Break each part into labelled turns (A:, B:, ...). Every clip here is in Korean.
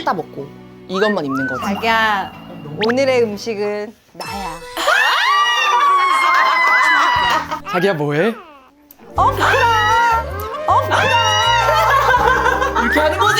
A: 싹 다 먹고 이것만 입는 거지.
B: 자기야, 오늘의 음식은 나야.
A: 자기야 뭐해? 이렇게 하는 거지.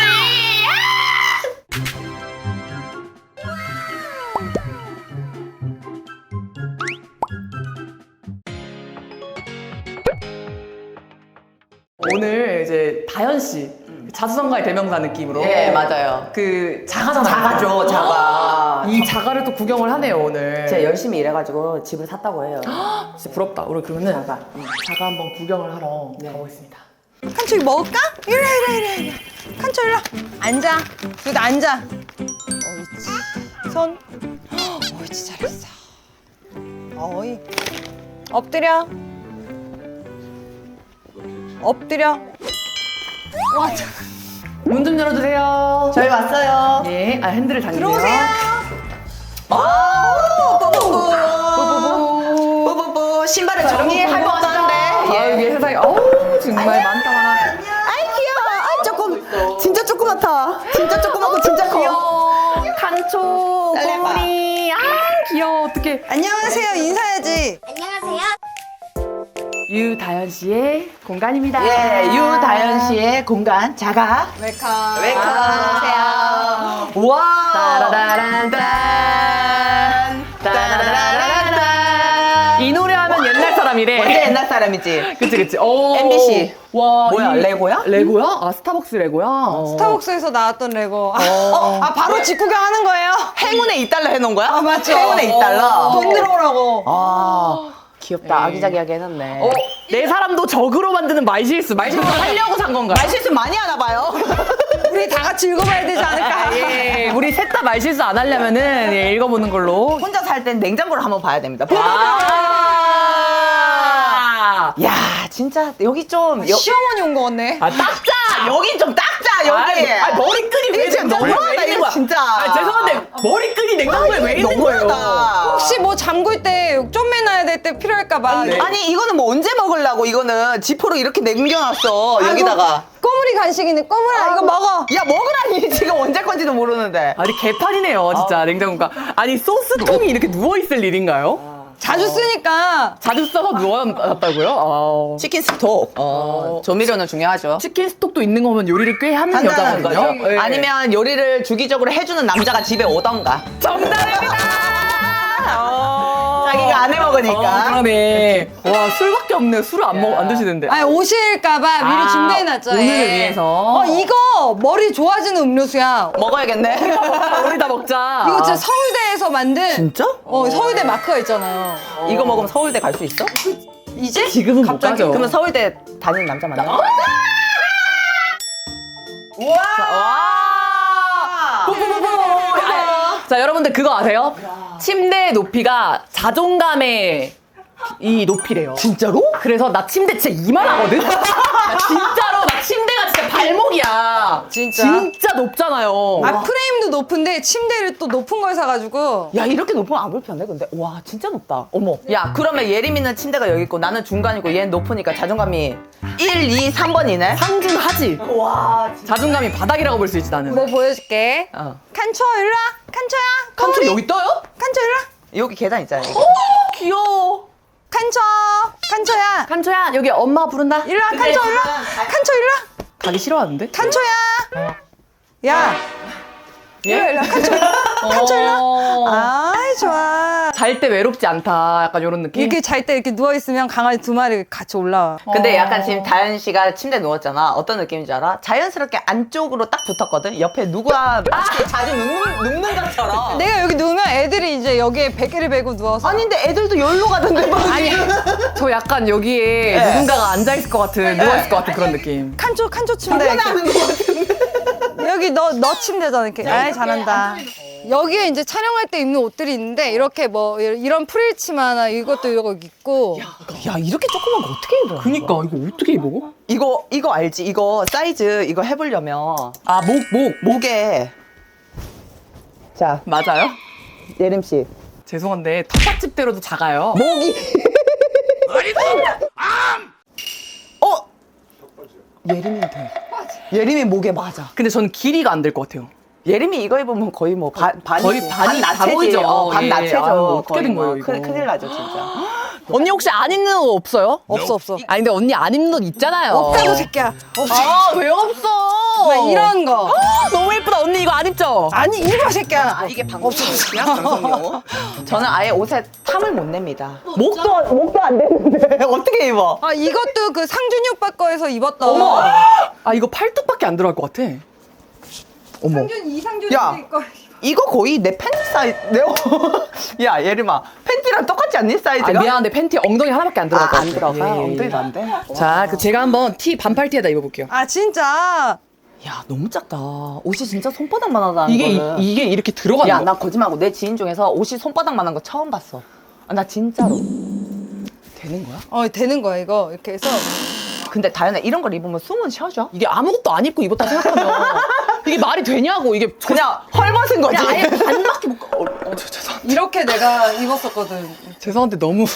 A: 오늘 이제 다현 씨 자수성가의 대명사 느낌으로
C: 예, 맞아요.
A: 그 자가잖아요.
C: 자가죠, 자가.
A: 이 자가를 또 구경을 하네요 오늘.
C: 제가 열심히 일해가지고 집을 샀다고 해요.
A: 진짜 부럽다. 우리 그러면은
C: 자가.
A: 자가 한번 구경을 하러 가보겠습니다.
B: 칸초 이거 먹을까? 이리. 칸초 이리 와. 앉아. 여기 앉아. 옳지. 손. 옳지, 잘했어. 어이. 엎드려. 엎드려. 와,
A: 문 좀 열어주세요.
C: 저희 왔어요.
A: 예, 핸들을 당기세요.
B: 들어오세요.
C: 뽀뽀뽀. 신발을 정리할 것 같은데.
A: 아, 이게 세상에 어우 정말 많다 많아.
C: 아이, 귀여워. 아, 조금. 진짜 조그맣다. 진짜 조그맣고 진짜 커.
A: 귀여워. 칸초,
C: 딸내봐.
A: 꼬리. 아 귀여워. 어떡해.
B: 안녕하세요. 인사해야지.
A: 유다현 씨의 공간입니다.
C: 예, 유다현 씨의 공간, 자가.
B: 웰컴.
C: 안녕하세요. 와.
A: 따라라란딴. 따라라란딴. 이 노래 하면 옛날 사람이래.
C: 완전 옛날 사람이지.
A: 그치. 오.
C: MBC.
A: 와.
C: 뭐야, 레고야?
A: 레고야? 아, 스타벅스 레고야?
B: 스타벅스에서 나왔던 레고. 바로 직구경 하는 거예요?
C: 행운의 2달러 해놓은 거야?
B: 맞죠.
C: 행운의 2달러.
B: 돈 들어오라고.
C: 아, 귀엽다.
A: 에이.
C: 아기자기하게 해놨네.
A: 내 사람도 적으로 만드는 말실수 하려고 산 건가요?
C: 말실수 많이 하나 봐요.
B: 우리 다 같이 읽어봐야 되지 않을까?
A: 예, 우리 셋 다 말실수 안 하려면은 예, 읽어보는 걸로.
C: 혼자 살 땐 냉장고를 한번 봐야 됩니다.
A: 아,
C: 야, 진짜 여기 좀
B: 시어머니 온 거 같네.
A: 아 닦자.
C: 여기 좀 닦자 여기.
A: 머리끈이 왜
C: 진짜
A: 냉장고에
C: 너무하다,
A: 왜 있는
C: 이거
A: 거야?
C: 진짜.
A: 아, 죄송한데 머리끈이 냉장고에 왜 있는 거예요?
C: 너무하다.
B: 혹시 뭐 잠글 때 쪼매놔야 될 때 필요할까봐.
A: 네.
C: 아니 이거는 뭐 언제 먹으려고 이거는 지퍼로 이렇게 남겨놨어 여기다가.
B: 꼬물이 간식이네. 꼬물아, 이거 먹어.
C: 야 먹으라니 지금 언제 건지도 모르는데.
A: 아니 개판이네요 진짜 냉장고가. 아니 소스통이 이렇게 누워있을 일인가요?
B: 자주 쓰니까.
A: 자주 써서 누워놨다고요?
C: 치킨 스톡. 조미료는 중요하죠.
A: 치킨 스톡도 있는 거면 요리를 꽤 하는
C: 한다는
A: 여자거든요.
C: 거죠.
A: 예.
C: 아니면 요리를 주기적으로 해주는 남자가 집에 오던가.
A: 정답입니다.
C: 자기가 안 해먹으니까.
A: 그러네. 와 술밖에 없네. 술을 안 드시는데.
B: 아니, 오실까봐 미리
A: 아,
B: 준비해놨죠.
A: 오늘을
B: 예.
A: 위해서.
B: 이거 머리 좋아지는 음료수야.
C: 먹어야겠네.
A: 우리 다 먹자.
B: 이거 진짜 서울대에서 만든.
C: 진짜?
B: 서울대 마크가 있잖아요.
C: 이거 먹으면 서울대 갈 수 있어?
B: 이제?
A: 지금은 못
B: 갑자기?
A: 가죠.
C: 그러면 서울대 다니는 남자 만나? 우와!
A: 자 여러분들 그거 아세요? 침대의 높이가 자존감의 이 높이래요.
C: 진짜로?
A: 그래서 나 침대 진짜 이만하거든? 나 진짜로 나 침대가 진짜 발목이야.
B: 진짜?
A: 진짜 높잖아요.
B: 프레임도 높은데 침대를 또 높은 걸 사가지고.
C: 야 이렇게 높으면 안 불편해 근데 와 진짜 높다. 어머. 야 그러면 예림이는 침대가 여기 있고 나는 중간이고 얘는 높으니까 자존감이 1, 2, 3번이네?
A: 상중하지.
C: 와
A: 자존감이 바닥이라고 볼 수 있지 나는.
B: 뭐 보여줄게.
C: 어.
B: 칸초 일로 와. 칸초야.
A: 칸초
B: 꼬물이.
A: 여기 떠요?
B: 칸초 일로 와.
C: 여기 계단 있잖아 여기.
A: 귀여워.
B: 칸초. 칸초야.
A: 칸초야 여기 엄마 부른다.
B: 일로 와. 칸초 일로 와. 칸초 일로 와.
A: 가기 싫어하는데?
B: 칸초야. 야. 일로 와. 칸초 일로 와. 칸초 일로 와. 아이 좋아.
A: 잘 때 외롭지 않다. 약간 이런 느낌.
B: 이렇게 잘 때 이렇게 누워있으면 강아지 2마리 같이 올라와.
C: 근데 약간 지금 다현 씨가 침대에 누웠잖아. 어떤 느낌인지 알아? 자연스럽게 안쪽으로 딱 붙었거든. 옆에 누가 자주 눕는 것처럼.
B: 내가 여기 누우면 애들이 이제 여기에 베개를 베고 누워서.
C: 아닌데 애들도 여기로 가던데 막.
A: 아니, 저 약간 여기에
C: 네.
A: 누군가가 앉아있을 것 같은, 누워있을 것 같은 그런 느낌.
B: 칸초 침대.
C: 불편해하는 것 같은데.
B: 여기 너 침대잖아 이렇게. 아이 잘한다. 여기에 이제 촬영할 때 입는 옷들이 있는데 이렇게 뭐 이런 프릴치마나 이것도 이거 입고.
C: 야 이렇게 조그만 거 어떻게 입어?
A: 그니까, 이거 어떻게 입어?
C: 이거 알지? 이거 사이즈 이거 해보려면
A: 아,
C: 목에 자
A: 맞아요?
C: 예림 씨
A: 죄송한데, 텃밭집대로도 작아요.
C: 목이 예림이 돼. 예림이 목에 맞아.
A: 근데 저는 길이가 안 될 것 같아요.
C: 예림이 이거 입으면 거의 뭐 반이
A: 거의 반이 다
C: 나체지.
A: 보이죠.
C: 반
A: 예.
C: 나체죠.
A: 아유, 어떻게
C: 거의
A: 된
C: 뭐.
A: 거예요, 이거?
C: 큰일 나죠 진짜.
A: 언니 혹시 안 입는 옷 없어요?
B: 없어 없어.
A: 아니 근데 언니 안 입는 옷 있잖아요.
B: 없다고 새끼야. 없어.
A: 아, 왜 없어?
B: 막 이런 거.
A: 너무 예쁘다. 언니 이거 안 입죠?
B: 아니 입어 새끼야.
C: 이게 방송이야 방송용. 저는 아예 옷에 탐을 못 냅니다. 목도 안 되는데 어떻게 입어?
B: 아 이것도 그 상준이 오빠 거에서 입었던.
A: 어머. 아 이거 팔뚝밖에 안 들어갈 것 같아. 어머.
B: 이상준이
C: 야.
B: 거.
C: 이거 거의 내 팬티 사이즈. 야 예림아 팬티랑 똑같지 않니 사이즈가?
A: 아, 미안한데 팬티 엉덩이 하나밖에 안 들어갈 것 같아.
C: 안 들어가.
A: 예, 예, 예.
C: 엉덩이도 안 돼.
A: 자, 그 제가 한번 티 반팔티에다 입어볼게요.
B: 아 진짜.
C: 야 너무 작다. 옷이 진짜 손바닥만 하다는
A: 이게
C: 거는.
A: 이게 이렇게 들어가는
C: 야
A: 거.
C: 나 거짓말하고 내 지인 중에서 옷이 손바닥만 한 거 처음 봤어. 아, 나 진짜로. 되는 거야?
B: 되는 거야 이거 이렇게 해서.
C: 근데 다현아 이런 걸 입으면 숨은 쉬어져?
A: 이게 아무것도 안 입고 입었다 생각하면 이게 말이 되냐고 이게
C: 그냥 헐벗은 거지.
A: 그냥 아예 반밖에 못. 죄송합니다.
B: 이렇게 내가 입었었거든.
A: 죄송한데 너무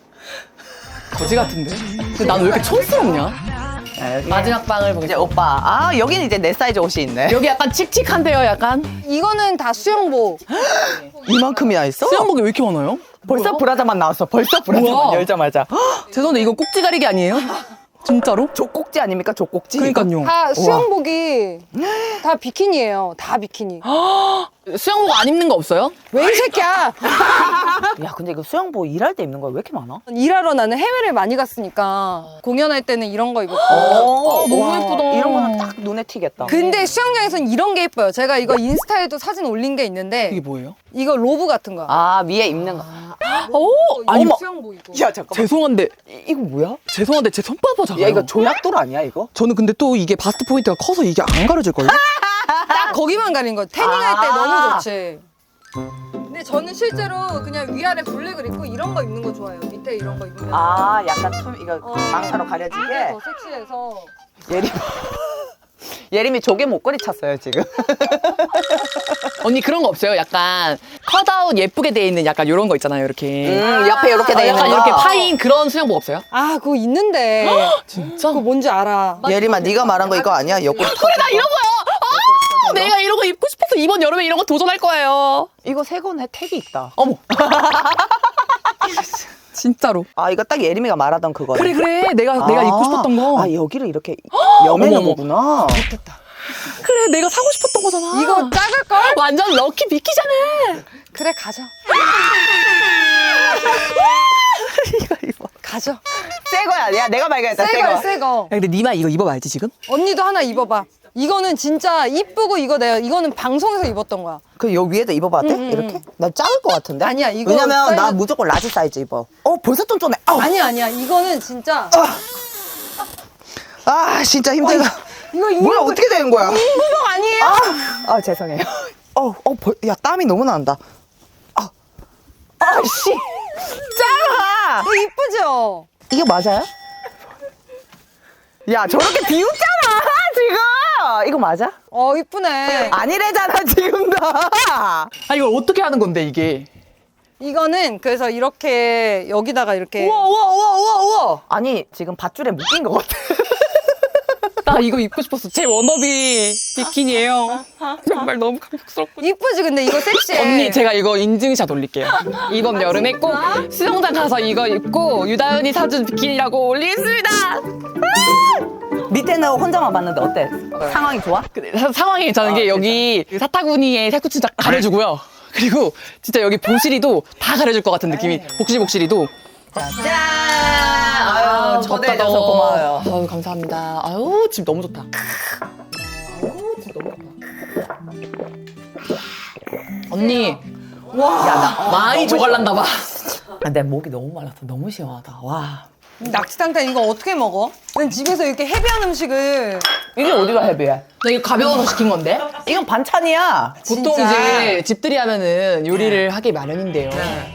A: 거지 같은데. 근데 난 왜 이렇게 촌스럽냐? 마지막 방을
C: 이제
A: 보겠습니다.
C: 오빠. 아 여기는 이제 내 사이즈 옷이 있네.
A: 여기 약간 칙칙한데요, 약간.
B: 이거는 다 수영복.
C: 이만큼이나 있어?
A: 수영복이 왜 이렇게 많아요?
C: 벌써 브라자만 나왔어. 벌써 브라자만
A: 뭐야?
C: 열자마자.
A: 죄송한데 이건 꼭지 가리기 아니에요? 진짜로?
C: 족꼭지 아닙니까? 족꼭지.
A: 그러니까요.
B: 다 수영복이 다 비키니예요. 다 비키니.
A: 수영복 안 입는 거 없어요?
B: 왜 이 새끼야?
C: 야 근데 이거 수영복 일할 때 입는 거야 왜 이렇게 많아?
B: 일하러 나는 해외를 많이 갔으니까 공연할 때는 이런 거 입었고.
A: 너무
C: 와,
A: 예쁘다.
C: 이런 거는 딱 눈에 튀겠다.
B: 근데 수영장에선 이런 게 예뻐요. 제가 이거 인스타에도 사진 올린 게 있는데
A: 이게 뭐예요?
B: 이거 로브 같은 거야.
C: 아 위에 입는 거.
A: 오! 아니,
B: 이거
A: 뭐,
B: 수영복이고.
C: 야 잠깐만.
A: 죄송한데,
C: 이거 뭐야?
A: 죄송한데 제 손바닥 작아요.
C: 야 이거 조약돌 아니야 이거?
A: 저는 근데 또 이게 바스트 포인트가 커서 이게 안 가려질걸요?
B: 딱 거기만 가린 거. 태닝할 때
C: 아.
B: 너무 좋지. 근데 저는 실제로 그냥 위아래 블랙을 입고 이런 거 입는 거 좋아해요. 밑에 이런 거 입으면.
C: 아 약간 이거 망사로
B: 이게
C: 가려지게.
B: 더 섹시해서.
C: 예림이 조개 목걸이 찼어요 지금.
A: 언니 그런 거 없어요? 약간 컷아웃 예쁘게 돼 있는 약간 이런 거 있잖아요, 이렇게.
C: 옆에 이렇게 돼 있는
A: 약간
C: 거.
A: 이렇게 파인 그런 수영복 없어요?
B: 아 그거 있는데.
A: 진짜?
B: 그거 뭔지 알아.
C: 예림아 네가 말한 거 이거 아니야? 옆구리 터.
A: 그래, 나 이런 거요! 아, 내가 이런 거 입고 싶어서 이번 여름에 이런 거 도전할 거예요.
C: 이거 새 거네 택이 있다.
A: 어머. 진짜로.
C: 아 이거 딱 예림이가 말하던 그거야.
A: 그래. 내가 입고 싶었던 거.
C: 아 여기를 이렇게 여매는
A: 어머, 어머.
C: 거구나.
A: 그래, 내가 사고 싶었던 거잖아.
B: 이거 작을걸?
A: 완전 럭키 비키잖아.
B: 그래 가져.
C: 이거 입어.
B: 가져.
C: 새 거야. 야 내가 발견했다. 새
B: 새거
C: 거.
B: 새거.
A: 야, 근데 니마 이거 입어봐야지 지금?
B: 언니도 하나 입어봐. 이거는 진짜 이쁘고 이거는 방송에서 입었던 거야.
C: 그 요 위에다 입어봐도 돼? 이렇게? 나 작을 것 같은데?
B: 아니야, 이거
C: 왜냐면 나
B: 사이즈-
C: 무조건 라지 사이즈 입어. 벌써 쫀쫀해.
B: 아니야. 이거는 진짜.
C: 아 진짜 힘들다.
B: 이거
C: 뭐야 어떻게 되는 거야?
B: 인부복 아니에요?
C: 아 죄송해요. 야 땀이 너무 난다. 씨, 작아.
B: 이거 이쁘죠?
C: 이게 맞아요? 야 저렇게 비웃잖아 지금. 이거 맞아?
B: 이쁘네.
C: 아니래잖아 지금 다.
A: 아, 이걸 어떻게 하는 건데 이게?
B: 이거는 그래서 이렇게 여기다가 이렇게.
C: 우와. 아니 지금 밧줄에 묶인 것 같아.
A: 나 이거 입고 싶었어. 제 워너비 비키니예요. 정말 너무 감격스럽고.
B: 이쁘지 근데 이거 섹시해.
A: 언니 제가 이거 인증샷 올릴게요. 이번 여름에 꼭 수영장 가서 이거 입고 유다현이 사준 비키니라고 올리겠습니다.
C: 밑에는 혼자만 봤는데 어때? 상황이 좋아?
A: 근데 상황이 괜찮은 게 여기 사타구니의 살구치 다 가려주고요. 그리고 진짜 여기 보시리도 다 가려줄 것 같은 느낌이. 복시복시리도.
C: 짠! 아유 초대해줘서 고마워요.
A: 아유 감사합니다. 아유 집 너무 좋다. 언니 와 많이 조갈난다 봐.
C: 내 목이 너무 말라서 너무 시원하다. 와.
B: 낙지탕탕 이거 어떻게 먹어? 난 집에서 이렇게 헤비한 음식을.
C: 이게 어디가 헤비해?
A: 나 이거 가벼워서 시킨 건데.
C: 이건 반찬이야.
A: 보통
B: 진짜.
A: 이제 집들이 하면은 요리를 하기 마련인데요.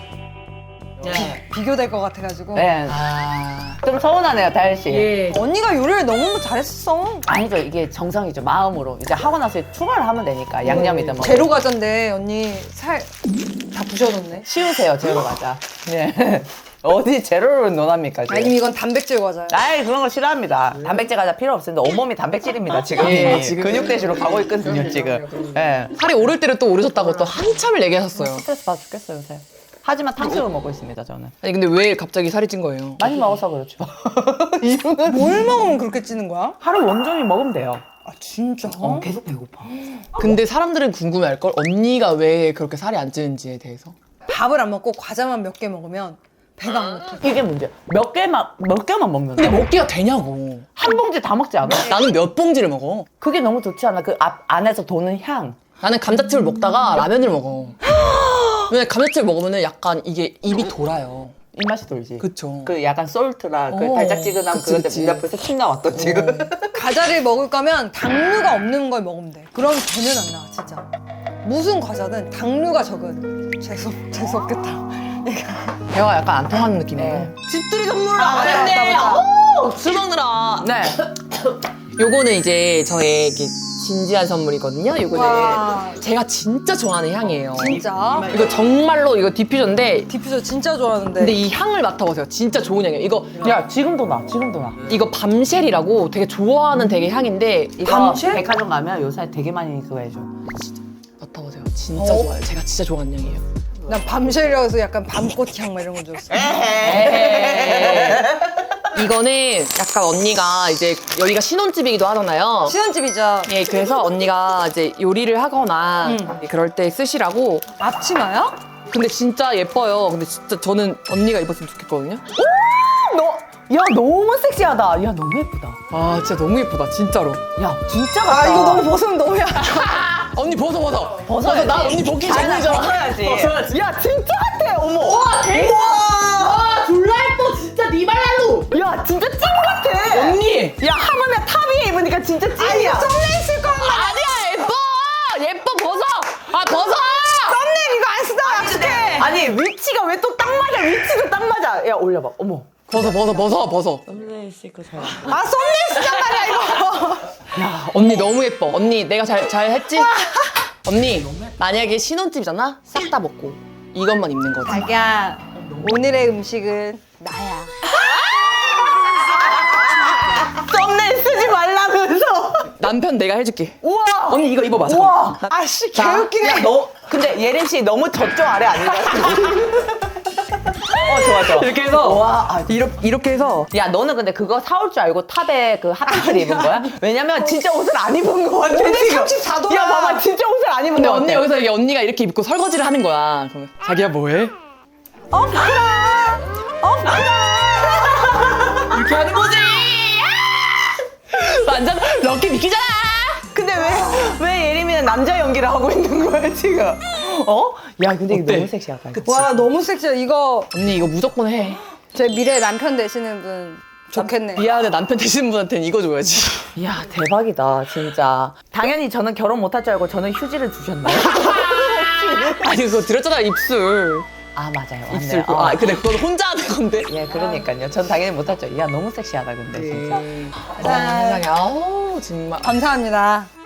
B: 비교될 것 같아가지고.
C: 네.
A: 아.
C: 좀 서운하네요, 다현 씨.
A: 예.
B: 언니가 요리를 너무 잘했어.
C: 아니죠, 이게 정성이죠, 마음으로. 이제 하고 나서 추가를 하면 되니까, 양념이든 뭐.
B: 제로 과자인데 언니 살 다 부셔놓네.
C: 치우세요, 제로 과자. 네. 어디 제로를 논합니까 지금?
B: 아니면 이건 단백질 과자예요.
C: 아이 그런 거 싫어합니다. 단백질 과자 필요 없습니다. 온몸이 단백질입니다 지금.
A: 예, 지금.
C: 근육 대시로 가고 있거든요 지금. 예.
A: 살이 오를 때를 또 오르셨다고 또 한참을 얘기하셨어요.
C: 스트레스 받아 죽겠어요 요새. 하지만 탕수육을 먹고 있습니다 저는.
A: 아니 근데 왜 갑자기 살이 찐 거예요?
C: 많이 먹어서 그렇죠. 이유는
B: 뭘 먹으면 그렇게 찌는 거야?
C: 하루 온종일 먹으면 돼요.
B: 아 진짜?
C: 계속 배고파.
A: 근데 사람들은 궁금해할 걸 언니가 왜 그렇게 살이 안 찌는지에 대해서.
B: 밥을 안 먹고 과자만 몇 개 먹으면 배가 안 고파.
C: 이게 문제야. 몇 개만 먹는
A: 근데
C: 거야.
A: 먹기가 되냐고.
C: 한 봉지 다 먹지 않아?
A: 나는 몇 봉지를 먹어.
C: 그게 너무 좋지 않아? 그 안에서 도는 향.
A: 나는 감자칩을 먹다가 라면을 먹어. 왜냐면 감자칩을 먹으면 약간 이게 입이 돌아요.
C: 입맛이 돌지.
A: 그쵸.
C: 그 약간 솔트라 그
A: 어.
C: 달짝지근함
A: 그치,
C: 그거
A: 그치.
C: 때문에 벌써 침 나왔던 지금.
B: 과자를 먹을 거면 당류가 없는 걸 먹으면 돼. 그럼 되면 안 나와 진짜. 무슨 과자든 당류가 적은. 재수없겠다.
A: 대화가 약간 안 통하는 느낌이에요.
C: 네.
A: 집들이 선물을
C: 아,
A: 안
C: 맞다,
A: 했네.
C: 맞다.
A: 오! 술 먹느라.
C: 네.
A: 요거는 이제 저의 이렇게 진지한 선물이거든요.
B: 와.
A: 요거는 제가 진짜 좋아하는 향이에요.
B: 진짜?
A: 이거 정말로 이거 디퓨저인데
B: 디퓨저 진짜 좋아하는데.
A: 근데 이 향을 맡아보세요. 진짜 좋은 향이에요.
C: 야 지금도 나. 지금도 나.
A: 이거 밤쉘이라고 되게 좋아하는 되게 향인데
C: 이거
B: 밤쉘?
C: 백화점 가면 요새 되게 많이 그거 해줘.
A: 맡아보세요. 진짜 좋아요. 제가 진짜 좋아하는 향이에요.
B: 난 밤쉘이라고 해서 약간 밤꽃 향 막 이런 거 줬어.
A: 이거는 약간 언니가 이제 여기가 신혼집이기도 하잖아요.
B: 신혼집이죠.
A: 예, 그래서 언니가 이제 요리를 하거나 그럴 때 쓰시라고.
B: 앞치마야?
A: 근데 진짜 예뻐요. 근데 진짜 저는 언니가 입었으면 좋겠거든요.
C: 야 너무 섹시하다. 야 너무 예쁘다.
A: 아, 진짜 너무 예쁘다. 진짜로.
C: 야 진짜 같다.
B: 아 이거 너무 벗으면 너무 야.
A: 언니 벗어.
C: 벗어야지.
A: 나 언니 벗기 전이잖아.
C: 벗어야지. 야 진짜 같아. 어머.
A: 와, 대박. 와, 졸라 예뻐. 진짜 니발랄로.
C: 야 진짜 찐 같아.
A: 언니.
C: 야 하물며 탑 위에 입으니까 진짜 찐이야.
B: 썸네일 쓸 거야.
A: 아니야, 예뻐. 벗어. 아, 벗어.
B: 썸네일 이거 안 쓰다 약속해.
C: 아니 위치가 왜 또 딱 맞아? 위치도 딱 맞아. 야 올려봐. 어머.
A: 벗어.
C: 썸네일 쓸거 잘.
B: 아 썸네일 쓰단 말이야 이거.
A: 언니 너무 예뻐. 언니 내가 잘 했지? 언니 만약에 신혼집이잖아? 싹 다 먹고 이것만 입는 거지.
B: 자기야 오늘의 음식은 나야.
C: 썸네일 쓰지 말라면서.
A: 남편 내가 해줄게.
C: 우와.
A: 언니 이거 입어봐.
C: 우와.
B: 아씨
C: 자,
B: 개웃기네.
C: 야, 너 근데 예림 씨 너무 저쪽 아래 아닌가? 좋아.
A: 이렇게 해서
C: 와, 아,
A: 이렇게 해서
C: 야 너는 근데 그거 사올 줄 알고 탑에 그 핫팬츠를 입은 거야? 왜냐면 진짜 옷을 안 입은 거 같아 지금.
B: 34 도야.
C: 야 봐봐 진짜 옷을 안 입은
A: 근데
C: 거
A: 언니
C: 같아.
A: 여기서 이게 언니가 이렇게 입고 설거지를 하는 거야. 그러면 자기야 뭐해? 이렇게 하는 거지. 완전 럭키 미끼잖아.
C: 근데 왜 예림이는 남자 연기를 하고 있는 거야 지금? 어? 야 근데 이거
A: 어때?
C: 너무 섹시하다.
B: 와 너무 섹시해. 이거
A: 언니 이거 무조건 해.
B: 제 미래 남편 되시는 분 좋겠네.
A: 미안해 남편 되시는 분한테는 이거 줘야지.
C: 야 대박이다 진짜. 당연히 저는 결혼 못할 줄 알고 저는 휴지를 주셨네요.
A: 아니 그거 드렸잖아 입술.
C: 아 맞아요. 맞네요.
A: 입술. 아 근데 그건 혼자 하는 건데.
C: 예 그러니까요. 전 당연히 못할 줄. 야 너무 섹시하다 근데 진짜.
A: 세상에. 아우 정말.
B: 감사합니다.